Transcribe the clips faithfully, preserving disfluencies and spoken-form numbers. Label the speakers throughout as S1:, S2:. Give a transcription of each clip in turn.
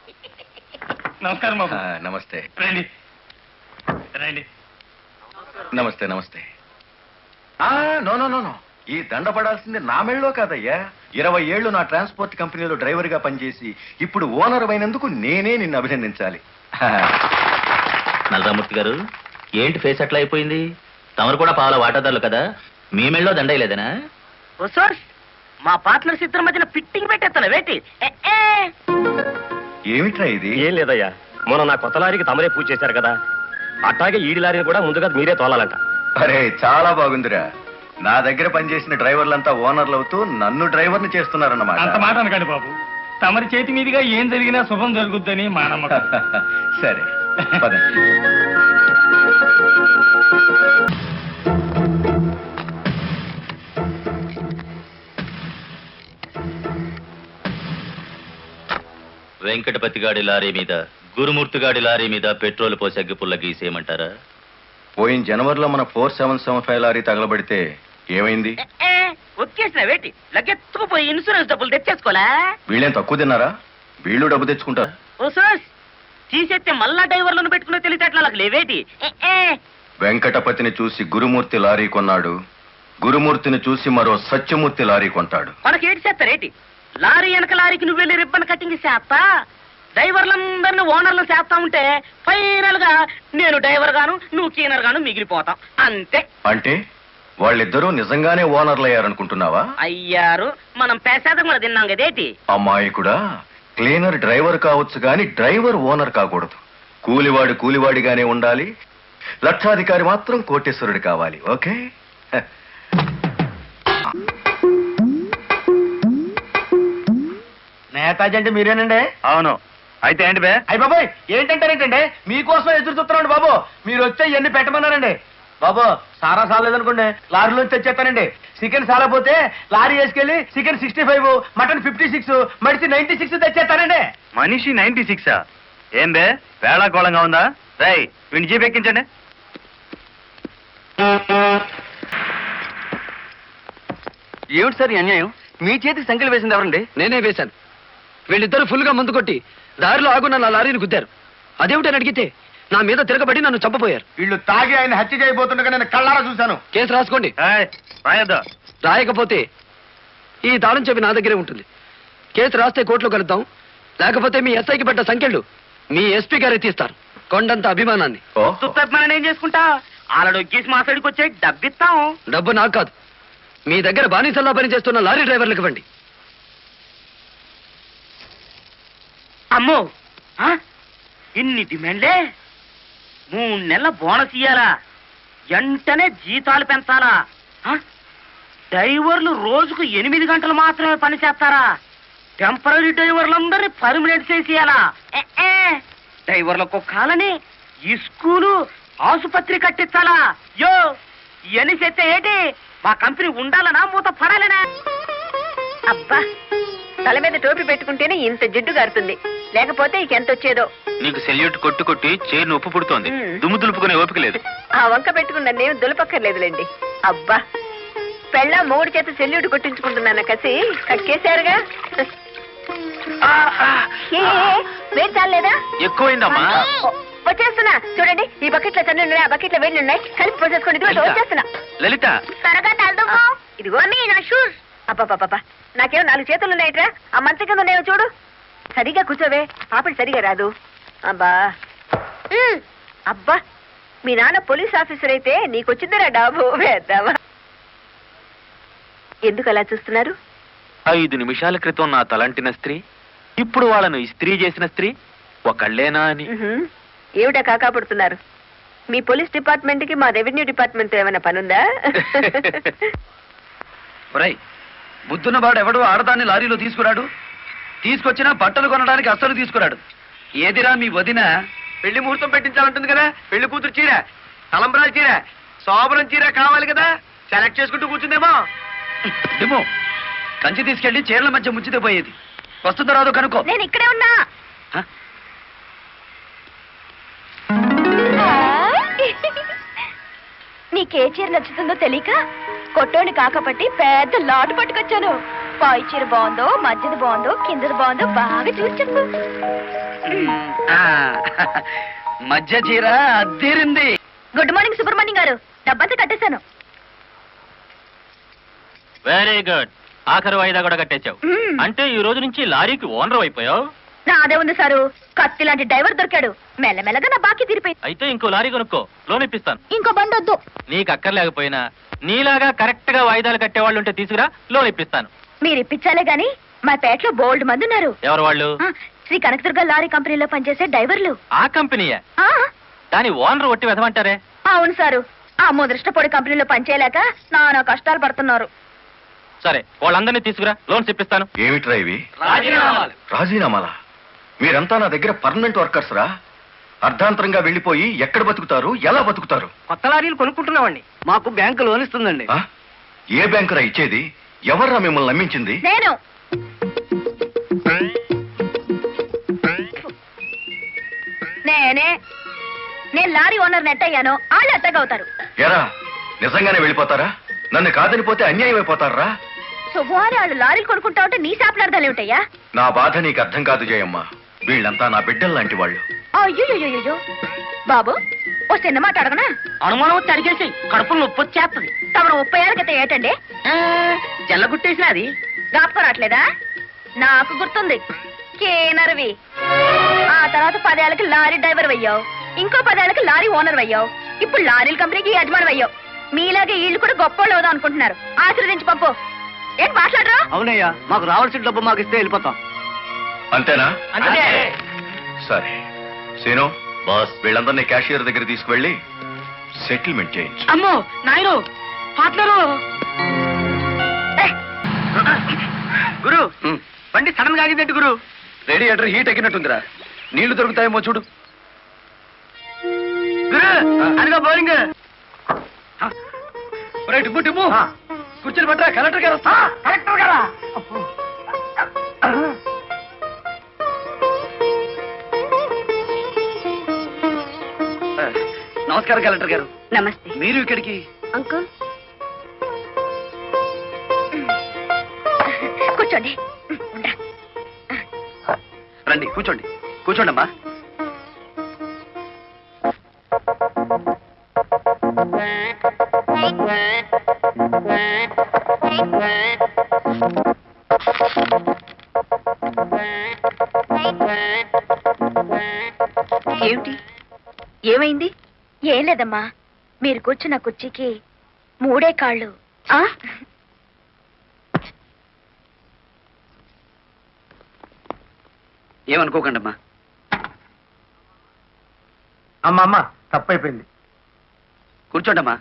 S1: నమస్కారం బాబు.
S2: నమస్తే.
S1: రండి రండి.
S2: నమస్తే నమస్తే. నో నో నో నో ఈ దండ పడాల్సింది నా మెళ్ళలో కాదయ్యా. ఇరవై ఏళ్లు నా ట్రాన్స్పోర్ట్ కంపెనీలో డ్రైవర్ గా పనిచేసి ఇప్పుడు ఓనర్ అయినందుకు నేనే నిన్ను అభినందించాలి.
S3: నల్లరామూర్తి గారు, ఏంటి ఫేస్ అట్లా అయిపోయింది? తమరు కూడా పాల వాటాదారులు కదా, మీ మెళ్ళలో దండయలేదనా?
S4: మా పార్ట్నర్స్ ఇద్దరి మధ్యన ఫిట్టింగ్ పెట్టేస్తాను వేటి.
S2: ఏమిట్రా ఇది?
S5: ఏం లేదయ్యా, మొన్న నా కొత్త లారీకి తమరే పూజ చేశారు కదా, అట్లాగే ఈడి లారీని కూడా ముందుగా మీరే తోలాలంట.
S2: అరే చాలా బాగుందిరా. నా దగ్గర పనిచేసిన డ్రైవర్లంతా ఓనర్లు అవుతూ నన్ను డ్రైవర్ని చేస్తున్నారన్నమాట.
S1: అంత మాట అనకండి బాబు. తమరి చేతి మీదుగా ఏం జరిగినా శుభం జరుగుద్దని మా నమ్మకం.
S2: సరే పదండి.
S3: వెంకటపతి గాడి లారీ మీద, గురుమూర్తి గాడి లారీ మీద పెట్రోల్ పోసి అగ్గిపుల్ల గీసేయమంటారా?
S2: పోయిన జనవరిలో మన four seven seven five lorry తగలబడితే ఏమైంది?
S4: ఒక్కేసిన వేటి లగ్గెత్తుకుపోయి ఇన్సూరెన్స్ డబ్బులు తెచ్చేసుకోలే.
S2: వీళ్ళేం తక్కువ తిన్నారా? వీళ్ళు డబ్బు తెచ్చుకుంటారు.
S4: ఓ సార్, తీసేస్తే మళ్ళా డ్రైవర్లను పెట్టుకునే తెలిసేట్లా నాకు లేవేటి.
S2: వెంకటపతిని చూసి గురుమూర్తి లారీ కొన్నాడు, గురుమూర్తిని చూసి మరో సత్యమూర్తి లారీ కొంటాడు.
S4: మనకేటి చేస్తారేటి? లారీ వెనక లారీకి నువ్వు వెళ్ళి రిబ్బన్ కటింగ్ చేస్తా, డ్రైవర్లందరినీ ఓనర్లు చేస్తా ఉంటే ఫైనల్ గా నేను డ్రైవర్ గాను నువ్వు క్లీనర్ గాను మిగిలిపోతాం అంతే.
S2: అంటే వాళ్ళిద్దరూ నిజంగానే ఓనర్లు అయ్యారనుకుంటున్నావా?
S4: అయ్యారు, మనం పేసాదం కూడా తిన్నాం కదేటి.
S2: అమ్మాయి కూడా క్లీనర్ డ్రైవర్ కావచ్చు గాని డ్రైవర్ ఓనర్ కాకూడదు. కూలివాడు కూలివాడిగానే ఉండాలి, లక్షాధికారి మాత్రం కోటేశ్వరుడు కావాలి. ఓకే?
S5: నేతాజీ అంటే మీరేనండి? అవును. అయితే ఏంటి బే? అయ్యి బాబోయ్, ఏంటంటారేంటండి? మీకోసం ఎదురు చూస్తున్నాండి బాబు. మీరు వచ్చే ఇవన్నీ పెట్టమన్నారండి బాబు. సారా సాలేదనుకోండి, లారీలో తెచ్చేస్తానండి. చికెన్ సాలపోతే లారీ వేసుకెళ్ళి chicken sixty five, mutton fifty six, మనిషి నైన్టీ సిక్స్ తెచ్చేస్తానండి. మనిషి నైన్టీ సిక్సా? ఏం బే, వేళాకోళంగా ఉందా? రై వీడిని జీప్ ఎక్కించండి.
S6: ఏమిటి సార్ ఈ అన్యాయం? మీ చేతికి సంఖ్యలు వేసింది ఎవరండి? నేనే వేశాను. వీళ్ళిద్దరూ ఫుల్ గా మందు కొట్టి దారిలో ఆగున్న నా లారీని గుద్దారు. అదేమిటని అడిగితే నా మీద తిరగబడి నన్ను చంపపోయారు.
S5: వీళ్ళు తాగి ఆయన హత్య చేయబోతుండగా నేను కళ్ళారా చూశాను.
S6: కేసు రాసుకోండి.
S5: రాయద్దా?
S6: రాయకపోతే ఈ తాళం చెప్పి నా దగ్గరే ఉంటుంది. కేసు రాస్తే కోర్టులో కలుద్దాం, లేకపోతే మీ ఎస్ఐకి పెట్ట సంఖ్యలు మీ ఎస్పీ గారే తీస్తారు. కొండంత అభిమానాన్ని.
S4: మనం ఏం చేసుకుంటా? ఆలడు ఎక్కేసి మా సైడ్కి వచ్చే డబ్బిస్తాం.
S6: డబ్బు నాకు కాదు, మీ దగ్గర బానిసల్లా పనిచేస్తున్న లారీ డ్రైవర్లకు ఇవ్వండి.
S4: అమ్మో, ఇన్ని డిమాండ్లే? మూడు నెలల బోనస్ ఇయ్యాలా, వెంటనే జీతాలు పెంచాలా, డ్రైవర్లు రోజుకు ఎనిమిది గంటలు మాత్రమే పని చేస్తారా, టెంపరీ డ్రైవర్లందరినీ పర్మనెంట్ చేసేయాలా, డ్రైవర్లకు కాలని ఈ స్కూలు ఆసుపత్రి కట్టించాలా? యో ఇవన్నీ చేస్తే ఏంటి? మా కంపెనీ ఉండాలనా మూత పడాలనా?
S7: అబ్బా, తల మీద టోపీ పెట్టుకుంటేనే ఇంత జిడ్డు గారుతుంది, లేకపోతే ఇకెంత వచ్చేదో.
S3: నీకు సెల్యూట్ కొట్టు కొట్టి చేరు ఉప్పు పుడుతోంది, దుమ్ము దులుపుకునే ఓపిక లేదు.
S7: ఆ వంక పెట్టుకున్న నేను దులపక్కర్లేదులేండి. అబ్బా, పెళ్ళ మూడు చేత సెల్యూట్ కొట్టించుకుంటున్నాను కసి కక్కేశారుగా. వేడి చాలేదా?
S3: ఎక్కువైందమ్మా.
S7: వచ్చేస్తున్నా చూడండి, ఈ బకెట్ లో తన్ను ఉన్నాయి, ఆ బకెట్ లో వేడి ఉన్నాయి, కలిపి పోసేసుకోండి. ఇదిగో వచ్చేస్తున్నా.
S3: లలిత
S7: త్వరగా తలదుకో. ఇదిగో నా షూస్. అబ్బాబ్బా, నాకేమో నాలుగు చేతులు ఉన్నాయిట్రా, ఆ మంచం కింద ఉన్నాయో చూడు. సరిగా కూర్చోవే, పాపడి సరిగా రాదు. అబ్బా అబ్బా, మీ నాన్న పోలీస్ ఆఫీసర్ అయితే నీకొచ్చిందిరా డాబు వేద్దామా? ఎందుకు అలా చూస్తున్నారు?
S3: ఐదు నిమిషాల క్రితం నా తలంటిన స్త్రీ ఇప్పుడు వాళ్ళను ఇస్త్రీ చేసిన స్త్రీ ఒకళ్ళేనా అని.
S7: ఏమిటా కాకా పడుతున్నారు? మీ పోలీస్ డిపార్ట్మెంట్ కి మా రెవెన్యూ డిపార్ట్మెంట్ తో ఏమైనా పనుందా?
S6: బుద్ధున్న వాడు ఎవడు ఆడదాన్ని లారీలో తీసుకురాడు, తీసుకొచ్చినా బట్టలు కొనడానికి అస్సలు తీసుకురాడు. ఏదిరా మీ వదిన?
S5: పెళ్లి ముహూర్తం పెట్టించాలంటుంది కదా, పెళ్లి కూతురు చీర, తలంబరాల చీర, శోభనం చీర కావాలి కదా, సెలెక్ట్ చేసుకుంటూ కూర్చుందేమో.
S6: ఏమో కంచి తీసుకెళ్లి చీరల మధ్య ముంచితే పోయేది. వస్తుందో రాదో కనుక్కో.
S7: నేను ఇక్కడే ఉన్నా. నీకే చీర నచ్చుతుందో తెలియక కొట్టోని కాకపట్టి పెద్ద లాటు పట్టుకొచ్చాను. పై చీర బాగుందో మధ్యది బాగుందో కిందది బాగుందో బాగా చూసి చెప్పు.
S6: ఆ, మధ్య చీర అద్దీరింది.
S7: గుడ్ మార్నింగ్ సుబ్రహ్మణ్యం గారు, డబ్బంతా కట్టేశాను.
S3: Very good. ఆఖరి వాయిదా కూడా కట్టేశావు.
S7: మ్మ్.
S3: అంటే ఈ రోజు నుంచి లారీకి ఓనర్ అయిపోయావు.
S7: నాదే ఉంది సారు, కత్తి లాంటి డ్రైవర్ దొరికాడు. మెల్లమెల్లగా నా బాకీ తీరిపోయింది.
S3: అయితే ఇంకో లారీ కొనుక్కో, లోన్ ఇప్పిస్తాను.
S7: ఇంకో బండి వద్దు.
S3: నీకు అక్కర్లేకపోయినా నీలాగా కరెక్ట్ గా వాయిదాలు కట్టేవాళ్ళు ఉంటే తీసుకురా, లోన్ ఇప్పిస్తాను.
S7: మీరు ఇప్పించాలే గాని మా పేటలో బోల్డ్ మంది ఉన్నారు.
S3: ఎవరు వాళ్ళు?
S7: ఆ, శ్రీ కనకదుర్గ లారీ కంపెనీలో పనిచేసే డ్రైవర్లు.
S3: ఆ కంపెనీయే?
S7: ఆ,
S3: దాని ఓనర్ ఒట్టి వెదమంటారే.
S7: అవును సారు, ఆ ముదృష్టపొడి కంపెనీలో పనిచేయలేక నానా కష్టాలు పడుతున్నారు.
S3: సరే, వాళ్ళందరినీ తీసుకురా, లోన్స్ ఇప్పిస్తాను.
S2: ఏమిట్రా ఇవి?
S6: రాజీనామాలు.
S2: రాజీనామాలా? మీరంతా నా దగ్గర పర్మనెంట్ వర్కర్స్ రా. అర్ధాంతరంగా వెళ్ళిపోయి ఎక్కడ బతుకుతారు, ఎలా బతుకుతారు?
S4: కొత్త లారీలు కొనుక్కుంటున్నామండి.
S6: మాకు బ్యాంకు లోన్ ఇస్తుందండి.
S2: ఆ? ఏ బ్యాంకురా ఇచ్చేది? ఎవర్రా మిమ్మల్ని నమ్మించింది?
S7: నేను నేనే నేను లారీ ఓనర్ నెట్ అయ్యాను, వాళ్ళు ఎట్టగవుతారు.
S2: ఎరా నిజంగానే వెళ్ళిపోతారా? నన్ను కాదని పోతే అన్యాయం అయిపోతారా?
S7: శుభవారి వాళ్ళు లారీలు కొనుక్కుంటా ఉంటే నీ శాపలార్థాలు ఏమిటయ్యా?
S2: నా బాధ నీకు అర్థం కాదు జయమ్మ. వీళ్ళంతా నా బిడ్డలు లాంటి వాళ్ళు.
S7: అయ్యో బాబు, ఓ చిన్న మాట అడగనా?
S4: అనుమానం వచ్చి అడిగేసి కడుపులో నొప్పి వచ్చేస్తుంది.
S7: తమను ముప్పై ఏళ్ళ క్రితం ఏటండి
S4: జల్లగుట్టేసిన అది
S7: జ్ఞాపకం రావట్లేదా? నాకు గుర్తుంది, కేనర్వి. ఆ తర్వాత పదేళ్ళకి లారీ డ్రైవర్ అయ్యావు, ఇంకో పదేళ్ళకి లారీ ఓనర్ అయ్యావు, ఇప్పుడు లారీల కంపెనీకి యజమాని అయ్యావు. మీలాగే వీళ్ళు కూడా గొప్ప అవుదాం అనుకుంటున్నారు. ఆశీర్వదించి పంపు. ఏం మాట్లాడరా?
S6: అవునయ్యా, మాకు రావాల్సిన డబ్బు మాకు ఇస్తే వెళ్ళిపోతాం.
S2: అంతేనా?
S4: అంతే.
S2: సరే సీను బాస్, వీళ్ళందరినీ క్యాషియర్ దగ్గర తీసుకువెళ్ళి సెటిల్మెంట్ చేయించు.
S4: అమ్మో నాయను, పార్ట్నరు.
S6: గురు,
S4: బండి సడన్ గా ఆగిందండి గురు.
S6: Radiator heat ఎక్కినట్టుందిరా. నీళ్లు దొరుకుతాయేమో చూడు.
S4: గురు, అదిగో బౌలింగ్.
S6: టిప్పు టిప్పు కూర్చొని పట్టరా, కలెక్టర్ గారు వస్తా.
S4: కలెక్టర్ గారా?
S6: నమస్కారం కలెక్టర్ గారు.
S7: నమస్తే
S6: మీరు ఇక్కడికి?
S7: అంకుల్. కూర్చోండి. ఉండ్రా.
S6: రండి కూర్చోండి. కూర్చోండి అమ్మా.
S7: ఏమిటి, ఏమైంది? ఏం లేదమ్మా, మీరు కూర్చున్న కుర్చీకి మూడే కాళ్ళు. ఆ
S6: ఏమనుకోకండి అమ్మా.
S5: అమ్మ అమ్మ తప్పైపోయింది.
S6: కూర్చోండి అమ్మా.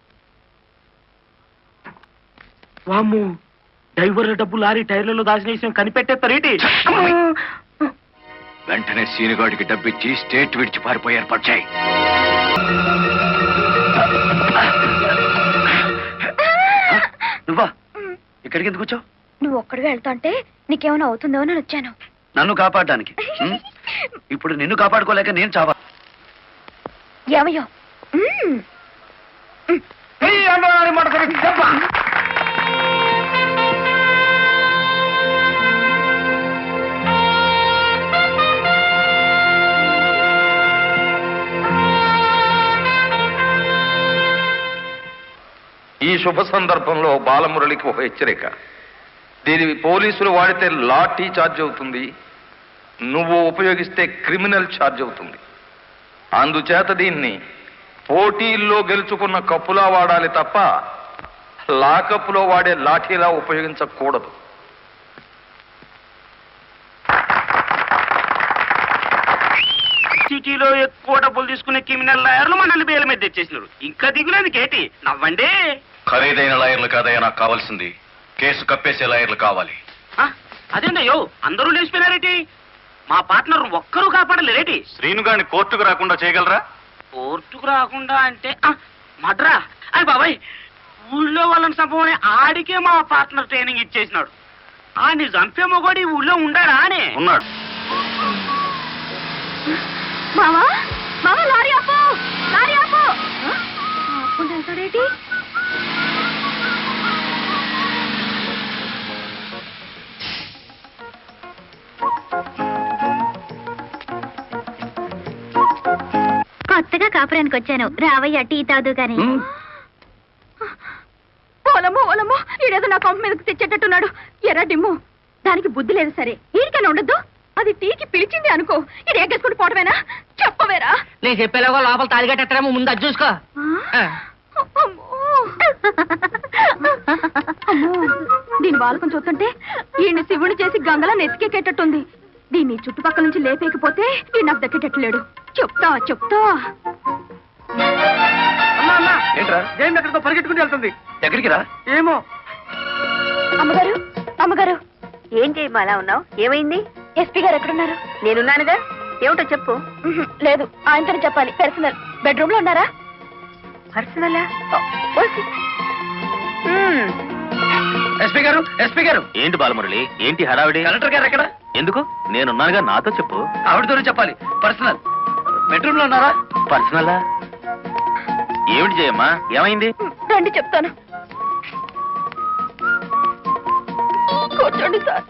S4: వామ్ము, డ్రైవర్ల డబ్బు లారీ టైర్లలో దాచిన విషయం కనిపెట్టేస్తారేంటి?
S2: వెంటనే సీనుగాడికి డబ్బిచ్చి స్టేట్ విడిచి పారిపోయి ఏర్పాటు చేయి.
S6: నువ్వా? ఇక్కడికి ఎందుకు వచ్చావు?
S7: నువ్వు ఒక్కడిగా వెళ్తాంటే నీకేమైనా అవుతుందో అని వచ్చాను.
S6: నన్ను కాపాడడానికి. ఉం? ఇప్పుడు నిన్ను కాపాడుకోలేక నేను చావా?
S7: ఏమయ్యో? మ్మ్.
S8: ఈ శుభ సందర్భంలో బాలమురళికి ఒక హెచ్చరిక. దీని పోలీసులు వాడితే లాఠీ ఛార్జ్ అవుతుంది, నువ్వు ఉపయోగిస్తే క్రిమినల్ ఛార్జ్ అవుతుంది. అందుచేత దీన్ని పోటీల్లో గెలుచుకున్న కప్పులా వాడాలి తప్ప లాకప్పులో వాడే లాఠీలా ఉపయోగించకూడదు.
S4: సిటీలో ఎక్కువ డబ్బులు తీసుకునే క్రిమినల్ లాయర్లు మనల్ని బేల మీద తెచ్చేసినారు. ఇంకా దిగులేదు కేటి, నవ్వండి.
S2: ఖరీదైన లాయర్లు కాదయ్యా నాకు కావాల్సింది, కేసు కప్పేసే లాయర్లు కావాలి.
S4: అదేంటయ్యో, అందరూ లేచిపోయినారేటి? మా పార్ట్నర్ ఒక్కరూ కాపాడలేరేటి?
S2: శ్రీనుగాడిని కోర్టుకు రాకుండా చేయగలరా?
S4: కోర్టుకు రాకుండా అంటే మడ్రా. అయ్యి బాబాయ్, ఊళ్ళో వాళ్ళని చంపమని ఆడికే మా పార్ట్నర్ ట్రైనింగ్ ఇచ్చేసినాడు. ఆడిని చంపే మొగోడి ఊళ్ళో ఉండాడా అని
S2: ఉన్నాడు.
S7: మావా, మావా, లారీ ఆపు, లారీ ఆపు. ఆపుకుంటా వెళ్తాడేటి? కాపురానికి వచ్చాను. రావయ్య టీ తాదు గాని. ఓలమ్మో ఓలమ్మో, ఈడేదో నా కొంప మీదకి తెచ్చేటట్టున్నాడు. ఎర్ర డిమ్ము, దానికి బుద్ధి లేదు సరే, ఈడికైనా ఉండద్దు. అది టీకి పిలిచింది అనుకో, ఇది ఎగ్గేసుకుని పోవటమేనా? చెప్పవేరా?
S4: నేను చెప్పేలాగా లోపల తాలిగట్టేమో ముందు అది చూసుకో.
S7: దీని బాలకం చూస్తుంటే ఈయన శివుని చేసి గంగలా నెత్తికెక్కేటట్టుంది. దీన్ని చుట్టుపక్కల నుంచి లేపేకపోతే ఈ నాకు దక్కేటట్లేడు. చెప్తా చెప్తా.
S5: అమ్మా అమ్మా, ఏంట్రా జైన్ ఎక్కడితో పరిగెట్టుకుని వెళ్తుంది? ఎక్కడికి రా? ఏమో.
S7: అమ్మగారు అమ్మగారు,
S9: ఏం చేయమ్మా అలా ఉన్నావు? ఏమైంది?
S7: ఎస్పీ గారు ఎక్కడున్నారు?
S9: నేనున్నానుగా, ఏమిటో చెప్పు.
S7: లేదు, ఆయనతో చెప్పాలి. పర్సనల్. బెడ్రూమ్ లో ఉన్నారా?
S9: పర్సనలా?
S6: ఎస్పీ గారు, ఎస్పీ గారు.
S3: ఏంటి బాలమురళి, ఏంటి హడావిడి?
S6: కలెక్టర్ గారు ఎక్కడ?
S3: ఎందుకు? నేనున్నానుగా, నాతో చెప్పు.
S6: ఆవిడతోనే చెప్పాలి. పర్సనల్. బెడ్రూమ్ లో ఉన్నారా?
S3: పర్సనలా? ఏమిటి జయమ్మా, ఏమైంది?
S7: రండి చెప్తాను. కూర్చోండి సార్.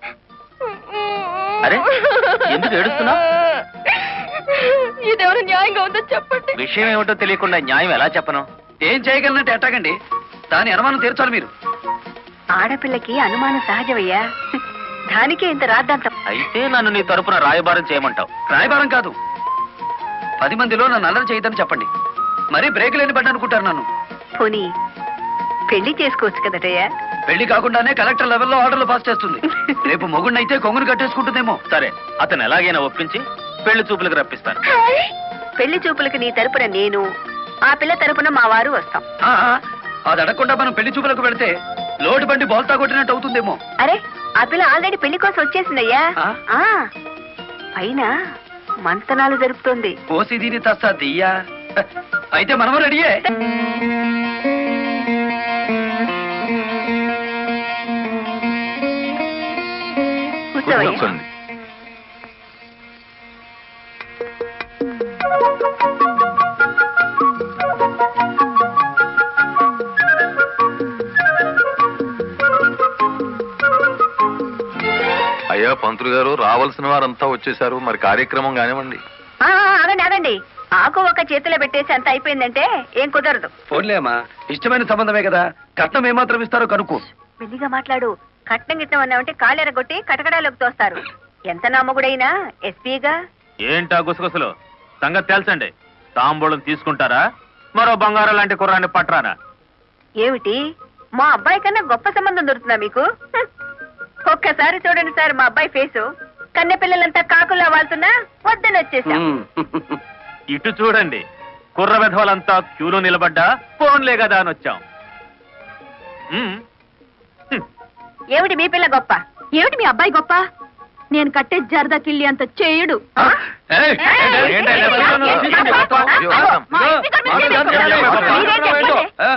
S3: అరే, ఎందుకు ఏడుస్తున్నావ్?
S7: ఇదేమైనా న్యాయంగా ఉందో చెప్పండి.
S3: విషయం ఏమిటో తెలియకుండా న్యాయం ఎలా చెప్పను?
S6: ఏం చేయగలనంటే ఎట్టాగండి, దాని అనుమానం తీర్చాలి మీరు.
S9: ఆడపిల్లకి అనుమానం సహజమయ్యా, దానికే ఇంత రాద్దాంతం.
S3: అయితే నన్ను నీ తరపున రాయబారం చేయమంటావు?
S6: రాయబారం కాదు, పది మందిలో నన్ను అల్లరి చేయదని చెప్పండి. మరీ బ్రేక్ లేని పడ్డ అనుకుంటారు నన్ను.
S9: పోనీ పెళ్లి చేసుకోవచ్చు కదటయ్యా?
S6: పెళ్లి కాకుండానే కలెక్టర్ లెవెల్లో ఆర్డర్లు పాస్ చేస్తుంది. రేపు మొగుడినైతే కొంగుని కట్టేసుకుంటుందేమో.
S3: సరే, అతను ఎలాగైనా ఒప్పించి పెళ్లి చూపులకు రప్పిస్తాను.
S9: పెళ్లి చూపులకి నీ తరపున నేను, ఆ పిల్ల తరపున మా వారు వస్తాం.
S6: ఆ, అది అడగకుండా మనం పెళ్లి చూపులకు వెళితే లోటు బండి బోల్తా కొట్టినట్టు అవుతుందేమో.
S9: అరే, ఆ పిల్ల ఆల్రెడీ పెళ్లి కోసం వచ్చేసిందయ్యా.
S6: ఆ?
S9: ఆ, పైన మంతనాలు జరుపుతోంది.
S6: కోసి దీని తస్తా దియ్యా. అయితే మనము రెడీయే.
S9: కూర్చోవయ్యా.
S8: కూర్చోండి. అయ్యా పంతులు గారు, రావాల్సిన వారంతా వచ్చేసారు, మరి కార్యక్రమం కానివ్వండి.
S9: ఆ, ఆగండి ఆగండి, ఆకు ఒక చేతిలో పెట్టేసి అంత అయిపోయిందంటే ఏం కుదరదు.
S6: ఫోన్లేమ్మా, ఇష్టమైన సంబంధమే కదా, కట్నం ఏమాత్రం ఇస్తారో కనుక్కో.
S9: మెల్లిగా మాట్లాడు. కట్నం గిట్నం అన్నామంటే కాళ్ళెరగొట్టి కటకడాలోకి తోస్తారు. ఎంత నమ్మగుడైనా ఎస్పీగా.
S3: ఏంటా గుసగుసలు? సంగతి తెలుసండి. తాంబూలం తీసుకుంటారా, మరో బంగారం లాంటి కుర్రాన్ని పట్టరానా?
S9: ఏమిటి, మా అబ్బాయి కన్నా గొప్ప సంబంధం దొరుకుతుందా మీకు? హ్మ్. ఒక్కసారి చూడండి సార్ మా అబ్బాయి ఫేసు. కన్నె పిల్లలంతా కాకులా వాళ్తున్నా వద్దని వచ్చేసాం.
S3: ఇటు చూడండి, కుర్ర విధవలంతా క్యూలో నిలబడ్డా ఫోన్లే కదా అని వచ్చాం. ఉమ్. హ్మ్.
S9: ఏమిటి మీ పిల్ల గొప్ప?
S7: ఏమిటి మీ అబ్బాయి గొప్ప? నేను కట్టే జరదా కిల్లి అంత చేయడు.
S6: ఏయ్,
S9: ఏయ్,
S3: ఏంటి,
S9: ఏయ్,
S3: ఎవరు?
S9: ఏయ్, ఏయ్,
S3: తీసుకోండి,
S9: ఏయ్,
S3: మొత్తం.
S9: అయ్యో,
S3: అయ్యో,
S9: మా ఇంటి దగ్గర నుంచి
S3: మాట్లాడు,
S9: మీరే
S3: మాట్లాడు,
S9: చెప్పండి.
S3: మాట్లాడు.
S9: మీరే చెప్పండి.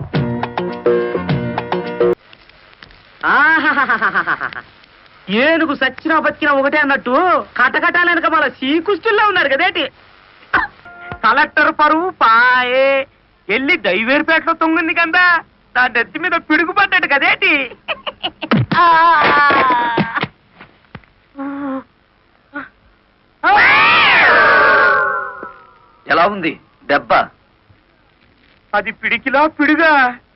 S4: ఆహాహాహాహాహా. ఏనుగు సచ్చినా బతికినా ఒకటే అన్నట్టు కటకటాలనక మన శ్రీకృష్ణుల్లో ఉన్నారు కదేటి. కలెక్టర్ పరువు పాయే ఎల్లి దైవేరుపేటలో తొంగింది కదా, నా నెత్తి మీద పిడుగు పడ్డాడు కదేటి.
S6: ఎలా ఉంది దెబ్బ?
S4: అది పిడికిలా పిడుగా.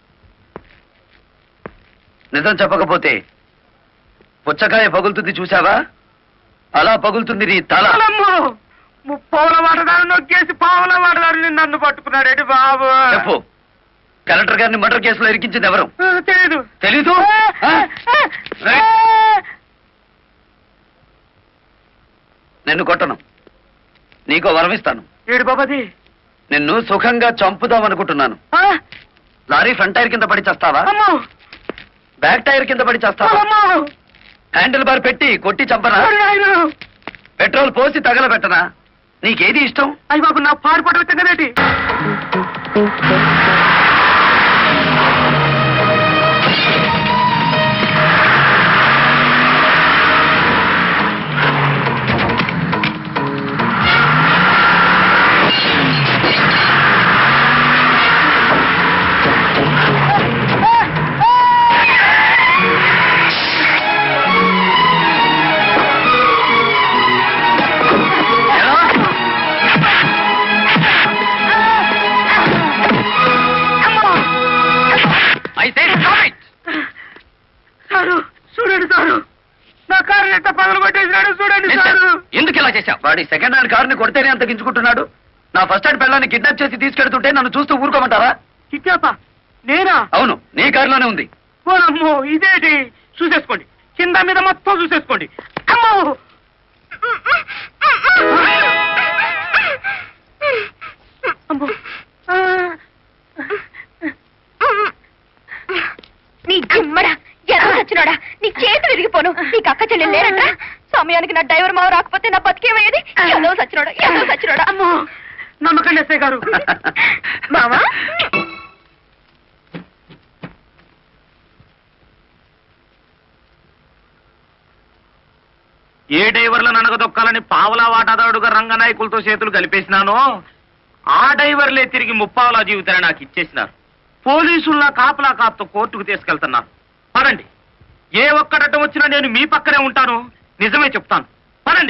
S6: నిజం చెప్పకపోతే పుచ్చకాయ పగులుతుంది చూసావా, అలా పగులుతుంది నీ తల.
S4: ముప్పవుల వాడదారు నొక్కేసి పావుల వాడదారు నన్ను పట్టుకున్నాడేటి బాబు.
S6: చెప్పు, కలెక్టర్ గారిని మర్డర్ కేసులో ఇరికించింది ఎవరు?
S4: తెలీదు.
S6: తెలీదు? ఆ? రైట్. నిన్ను కొట్టను, నీకో వరమిస్తాను.
S4: ఏడు బాబాది.
S6: నిన్ను సుఖంగా చంపుదామనుకుంటున్నాను. లారీ ఫ్రంట్ టైర్ కింద పడి చేస్తావా,
S4: అమ్మో
S6: బ్యాక్ టైర్ కింద పడి చేస్తావా?
S4: అమ్మో
S6: హ్యాండిల్ బార్ పెట్టి కొట్టి చంపనా, పెట్రోల్ పోసి తగలబెట్టనా? నీకేది ఇష్టం?
S4: అయ్యి బాబు, నా పాడుపడ వచ్చిందేటి.
S1: ఉన్నాడు చూడండి సార్.
S6: ఎందుకు ఇలా చేశావు? వాడి సెకండ్ హ్యాండ్ కారుని కొడితేనే అంత గించుకుంటున్నాడు. నా ఫస్ట్ హ్యాండ్ పిల్లని కిడ్నాప్ చేసి తీసుకెళ్తుంటే నన్ను చూస్తూ ఊరుకోమంటారా?
S4: కిడ్నాపా? నేనా?
S6: అవును, నీ కారులోనే ఉంది.
S4: ఓనమ్మో, ఇదేంటి? చూసేసుకోండి, కింద మీద మొత్తం చూసేసుకోండి. అమ్మో, అమ్మో.
S7: నీ గుమ్మడా ఎలా చచ్చినాడా? నీ చేతులు విరిగిపోను. నీకు అక్క చెల్లెలు లేరట. సమయానికి నా డ్రైవర్ మావ రాకపోతే నా బతికేమయ్యేది. ఎలా చచ్చినాడా, ఎలా చచ్చినాడా?
S4: అమ్మో, నమ్మకండి ఎస్ఐ గారు.
S7: మావా,
S1: ఏ డ్రైవర్లను అనగదొక్కాలని పావలా వాటాదారుడుగా రంగనాయకులతో చేతులు కలిపేసినానో ఆ డ్రైవర్లే తిరిగి ముప్పావలా జీవితాన్ని నాకు ఇచ్చేసినారు. పోలీసుల్లా కాపలా కాపుతో కోర్టుకు తీసుకెళ్తున్నారు. పదండి, ఏ ఒక్కడటం వచ్చినా నేను మీ పక్కనే ఉంటాను. నిజమే చెప్తాను.